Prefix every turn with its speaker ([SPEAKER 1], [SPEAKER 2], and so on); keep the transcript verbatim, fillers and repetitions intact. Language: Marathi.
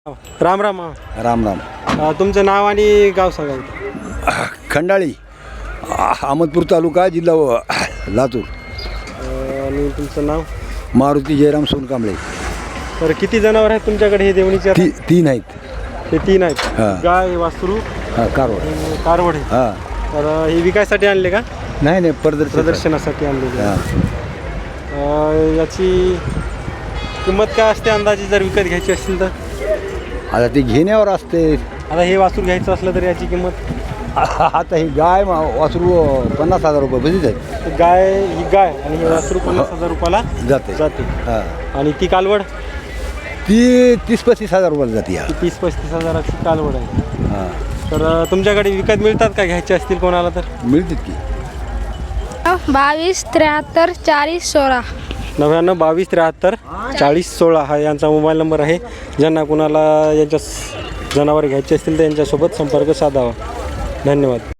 [SPEAKER 1] राम राम.
[SPEAKER 2] राम राम.
[SPEAKER 1] अ, तुमचं नाव आणि गाव सांगा.
[SPEAKER 2] खंडाळी, अहमदपूर तालुका, जिल्हा व- लातूर.
[SPEAKER 1] अ, आणि तुमचं नाव.
[SPEAKER 2] मारुती जयराम सोनकांबळे.
[SPEAKER 1] तर किती जनावर आहेत तुमच्याकडे हे देवणीचे आता?
[SPEAKER 2] ती तीन आहेत.
[SPEAKER 1] हे तीन आहेत.
[SPEAKER 2] हा.
[SPEAKER 1] गाय, वासरू
[SPEAKER 2] हां, कारवार.
[SPEAKER 1] आणि कारवड आहे.
[SPEAKER 2] हां.
[SPEAKER 1] तर अ, हे विकायसाठी आणले का?
[SPEAKER 2] नाही नाही, प्रदर्शन.
[SPEAKER 1] प्रदर्शनासाठी आणलेले.
[SPEAKER 2] हां.
[SPEAKER 1] अ, याची किंमत काय असते अंदाजे जर विकत घ्यायची असेल तर?
[SPEAKER 2] आता ते घेण्यावर असते.
[SPEAKER 1] आता हे वासरू घ्यायचं असलं तर याची किंमत?
[SPEAKER 2] आता ही गाय मा- वासरू पन्नास हजार रुपये बजीच आहेत.
[SPEAKER 1] तर गाय ही गाय आणि हे वासरू पन्नास हजार रुपयाला
[SPEAKER 2] जाते.
[SPEAKER 1] जाते.
[SPEAKER 2] हां.
[SPEAKER 1] आणि ती कालवड
[SPEAKER 2] ती तीस पस्तीस हजार रुपयाला जाते. या
[SPEAKER 1] ती तीस पस्तीस हजाराची कालवड आहे.
[SPEAKER 2] हां,
[SPEAKER 1] तर अ, तुमच्याकडे विकत मिळतात का घ्यायचे असतील कोणाला तर?
[SPEAKER 2] मिळतात की.
[SPEAKER 3] बावीस त्र्याहत्तर चाळीस सोळा.
[SPEAKER 1] नव्याण्णव बावीस त्र्याहत्तर चाळीस सोळा हा यांचा मोबाईल नंबर आहे. ज्यांना कुणाला यांच्या स- जनावर घ्यायचे असतील तर यांच्यासोबत संपर्क साधावा. धन्यवाद.